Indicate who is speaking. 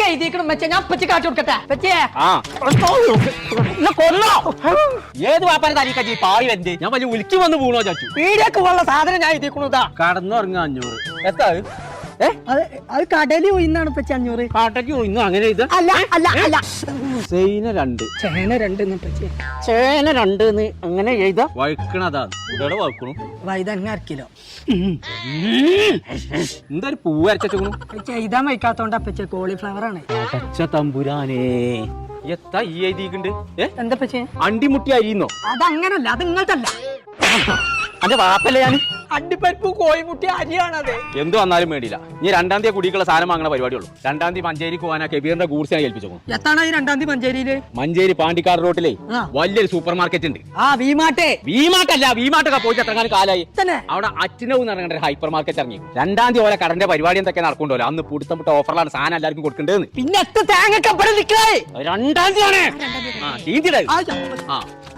Speaker 1: എഴുതിക്കണം വെച്ചാ ഞാൻ പച്ച കാച്ചു കൊടുക്കട്ടെ പച്ചേ
Speaker 2: കൊല്ലോ ഏത് വാപ്പാനെ തനിക്കച്ചി പാവി വരണ്ടേ ഞാൻ വലിയ ഉലുക്കി വന്ന് വീണോ ചാച്ചു
Speaker 1: പീടിയൊക്കെ ഉള്ള സാധനം ഞാൻ എഴുതിക്കണതാ
Speaker 2: കടന്നുറങ്ങ 500 എത്താ
Speaker 1: അത് കടലിൽ ഒയിന്നാണ് പച്ച 500
Speaker 2: കാട്ടയ്ക്ക് ഇന്നും അങ്ങനെ ഇത്
Speaker 1: അല്ല അല്ല അല്ല
Speaker 2: ചേന 2 ചേന 2 അങ്ങനെ എഴുതാ വഴുക്കണതാ ഇവിടെ വഴുക്കണു
Speaker 1: വൈതങ്ങ അരക്കിലോ
Speaker 2: എന്താ ഒരു പൂവ് അരച്ചു
Speaker 1: എഴുതാൻ വയ്ക്കാത്തോണ്ടാ പച്ച കോളിഫ്ലവർ ആണ്
Speaker 2: അടച്ച തമ്പുരാനേ എത്താ ഈ എഴുതിയിട്ടുണ്ട്
Speaker 1: എന്താ പച്ചേ
Speaker 2: അണ്ടിമുട്ടി അരിയുന്നോ
Speaker 1: അതങ്ങനല്ല അത് ഇങ്ങനത്തല്ല
Speaker 2: അന്റെ വാപ്പല്ലേ ഞാൻ
Speaker 1: അണ്ടിപ്പരിപ്പ് കോഴിമുട്ടി അരിയാണത്
Speaker 2: എന്ത് വന്നാലും വേണ്ടിയില്ല ഇനി 2-ാം തീയതി കുടിക്കുള്ള സാധനം വാങ്ങണ പരിപാടിയുള്ളൂ 2-ാം തീയതി മഞ്ചേരിക്ക് പോകാനാ കെബീറിന്റെ ഗൂഡ്സ് ഞാൻ ഏൽപ്പിച്ചു
Speaker 1: എത്താണ് ഈ 2-ാം തീയതി മഞ്ചേരിയില്
Speaker 2: മഞ്ചേരി പാണ്ടിക്കാട് റോട്ടിലെ വലിയൊരു സൂപ്പർ മാർക്കറ്റ് ഉണ്ട് വീമാട്ടൊക്കെ പോയിട്ട് എത്രങ്ങാനും കാലായി അവിടെ അച്ഛനവും നടക്കേണ്ട ഹൈപ്പർ മാർക്കറ്റ് ഇറങ്ങി 2-ാം തീയതി ഓരോ കടന്റെ പരിപാടി എന്തൊക്കെ നടക്കുന്നുണ്ടല്ലോ അന്ന് പുടുത്തപ്പെട്ട ഓഫറിലാണ് സാധനം എല്ലാവർക്കും കൊടുക്കേണ്ടത്
Speaker 1: പിന്നെ 2-ാം തീയതി